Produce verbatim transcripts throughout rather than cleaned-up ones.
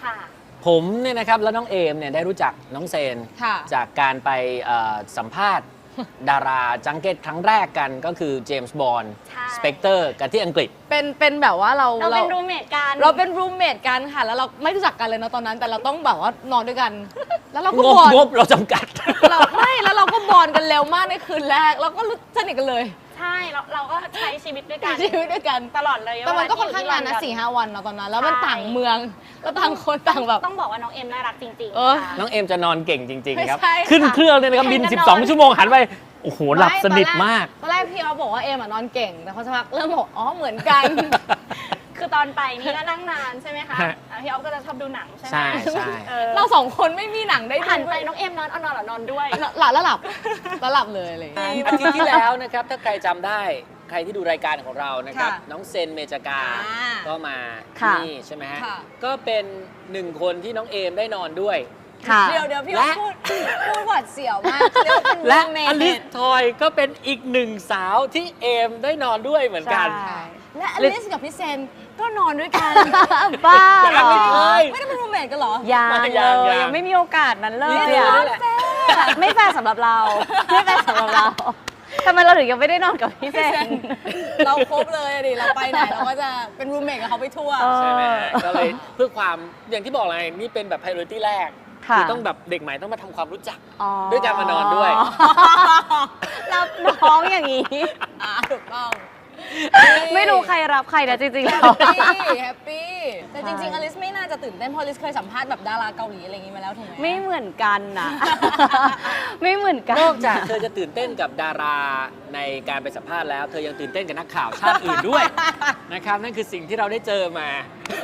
ผมเนี่ยนะครับแล้วน้องเอมเนี่ยได้รู้จักน้องเซนจากการไปสัมภาษณ์ดาราจังเก็ตครั้งแรกกันก็คือเจมส์บอนด์สเปกเตอร์กันที่อังกฤษเป็นเป็นแบบว่าเราเราเป็นรูมเมทกันเราเป็นรูมเมทกันค่ะแล้วเราไม่รู้จักกันเลยนะตอนนั้นแต่เราต้องแบบว่านอนด้วยกันแล้วเราก็บอนงบเราจำกัดเราไม่แล้วเราก็บอนกันเร็วมากในคืนแรกเราก็รู้สนิทกันเลยใช่เราเราก็ใช้ชีวิตด้วยกันชีวิตด้วยกันตลอดเลยแต่มันก็ค่อนข้างนานนะสี่ห้าวันเนาะตอนนั้นแล้วมันต่างเมืองแล้วต่างคนต่างแบบต้องบอกว่าน้องเอ็มน่ารักจริงๆน้องเอ็มจะนอนเก่งจริงๆครับขึ้นเครื่องเลยนะครับบินสิบสองชั่วโมงหันไปโอ้โหหลับสนิทมากตอนแรกพี่เขาบอกว่าเอมนอนเก่งแต่พอสักพักเริ่มบอกอ๋อเหมือนกันคือตอนไปนี่ก็นั่งนานใช่ไหมคะพี่ออฟก็จะชอบดูหนังใช่ไหมใช่ใช่เราสองคนไม่มีหนังได้หันไปน้องเอ็มนอนเอานอนหรอนอนด้วยหลับแล้วหลับแล้วหลับเลยอะไรอาทิตย์ที่แล้วนะครับถ้าใครจำได้ใครที่ดูรายการของเรานะครับน้องเซนเมจากาก็มาที่นี่ใช่ไหมฮะก็เป็นหนึ่งคนที่น้องเอมได้นอนด้วยเดี๋ยวเดี๋ยวพี่พูดพูดหวาดเสียวมากและอลิสทอยก็เป็นอีกหนึ่งสาวที่เอมได้นอนด้วยเหมือนกันและอลิสกับพี่เซนก็นอนด้วยกันบ้าเหรอไม่ได้เป็นรูมเมทกันเหรอยังเลยยังไม่มีโอกาสนั้นเลยไม่แฟร์สำหรับเราไม่แฟร์สำหรับเราทำไมเราถึงยังไม่ได้นอนกับพี่เซนเราครบเลยดิเราไปไหนเราก็จะเป็นรูมเมทกับเขาไปทั่วใช่ไหมก็เลยเพื่อความอย่างที่บอกเลยนี่เป็นแบบ priority แรกคือต้องแบบเด็กใหม่ต้องมาทำความรู้จักด้วยการมานอนด้วยรับน้องอย่างนี้ถูกต้องไม่รู้ใครรับใครนะจริงๆแล้วแฮปปี้แฮปปี้แต่จริงๆอลิสไม่น่าจะตื่นเต้นเพราะอลิสเคยสัมภาษณ์แบบดาราเกาหลีอะไรอย่างนี้มาแล้วถูกไหมไม่เหมือนกันนะไม่เหมือนกันนอกจากเธอจะตื่นเต้นกับดาราในการไปสัมภาษณ์แล้วเธอยังตื่นเต้นกับนักข่าวชาติอื่นด้วยนะครับนั่นคือสิ่งที่เราได้เจอมา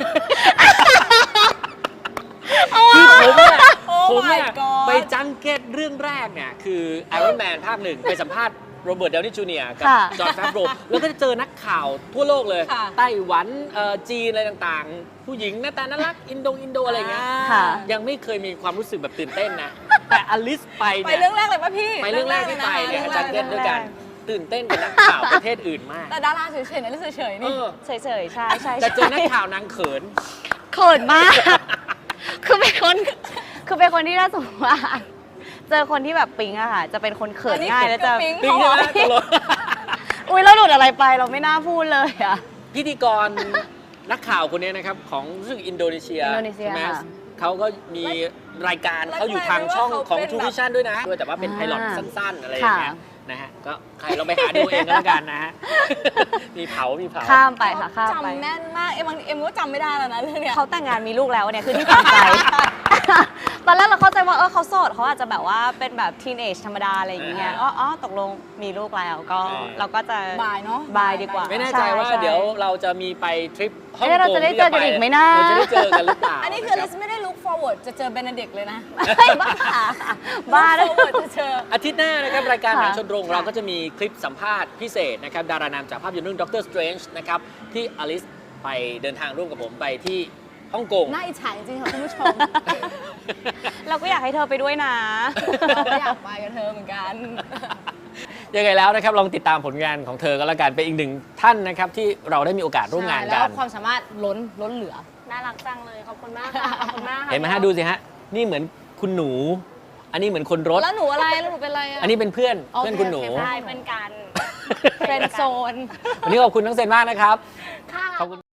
คือผมเนี่ยผมเนี่ยไปจังเก็ตเรื่องแรกเนี่ยคือ Iron Man ภาคหนึ่งไปสัมภาษณ์โรเบิร์ต ดาวนี่ จูเนียร์ กับจอห์น แฟบโรแล้วก็จะเจอนักข่าวทั่วโลกเลยไต้หวันจีนอะไรต่างๆผู้หญิงหน้าตาน่ารักอินโดอินโดอะไรเงี้ยยังไม่เคยมีความรู้สึกแบบตื่นเต้นนะแต่อลิสไปเนี่ยไปเรื่องแรกเลยป่ะพี่ไปเรื่องแรกที่ไปเนี่ยจังเก็ตด้วยกันตื่นเต้นกับนักข่าวประเทศอื่นมากแต่ดาราเฉยๆนะเฉยๆนี่เฉยๆใช่ใช่แต่เจอนักข่าวนางเขินเขินมากคือเป็นคนคือเป็นคนที่น่าสงสารเจอคนที่แบบปิ๊งอะค่ะจะเป็นคนเขินง่ายแล้วจะปิ๊งใช่ไหมอุ้ยเราหลุดอะไรไปเราไม่น่าพูดเลยอะพิธีกรนักข่าวคนนี้นะครับของรู้สึกอินโดนีเซียใช่ไหมเขาก็มีรายการเขาอยู่ทางช่องของทูวิชั่นด้วยนะด้วยแต่ว่าเป็นไพลอตสั้นๆอะไรอย่างเงี้ยนะฮะก็ใครเราไปหาดูเองก็แล้วกันนะฮะมีเผามีเผาข้ามไปค่ะข้ามไปจำแน่นมากเอ็มบางเอ็มก็จำไม่ได้แล้วนะเรื่องเนี้ยเขาแต่งงานมีลูกแล้วเนี่ยคือที่สนใจตอนแรกเราเข้าใจว่าเออเขาโสดเขาอาจจะแบบว่าเป็นแบบทีนเอจธรรมดาอะไรอย่างเงี้ยอ๋ออ๋อตกลงมีลูกแล้วก็เราก็จะบายเนาะบายดีกว่าไม่แน่ใจว่าเดี๋ยวเราจะมีไปทริปฮ่องกงเราจะได้เจอกันอีกไหมนะเราจะได้เจอกันหรือเปล่าอันนี้คือลิสไม่ได้ look forward จะเจอเบนเดกเลยนะบ้าบ้า look forward จะเจออาทิตย์หน้านะครับรายการหนังชนโรงเราก็จะมีคลิปสัมภาษณ์พิเศษนะครับดารานามจากภาพยนตร์เรื่องด็อกเตอร์สเตรนจ์นะครับที่อลิสไปเดินทางร่วมกับผมไปที่ฮ่องกงน่าอิจฉาจริงๆค่ะคุณผู้ชมเราก็อยากให้เธอไปด้วยนะเราก็อยากไปกับเธอเหมือนกันยังไงแล้วนะครับลองติดตามผลงานของเธอก็แล้วกันเป็นอีกหนึ่งท่านนะครับที่เราได้มีโอกาสร่วมงานกันแล้วความสามารถล้นล้นเหลือน่ารักจังเลยขอบคุณมากค่ะขอบคุณมากเห็นไหมฮะดูสิฮะนี่เหมือนคุณหนูอันนี้เหมือนคนรถแล้วหนูอะไรแล้วหนูเป็นอะไรอ่ะอันนี้เป็นเพื่อนเพื่อนคุณหนูใช่เพื่อนกันเฟรนด์โซนวันนี้ขอบคุณน้องเซนมากนะครับค่ะขอบคุณ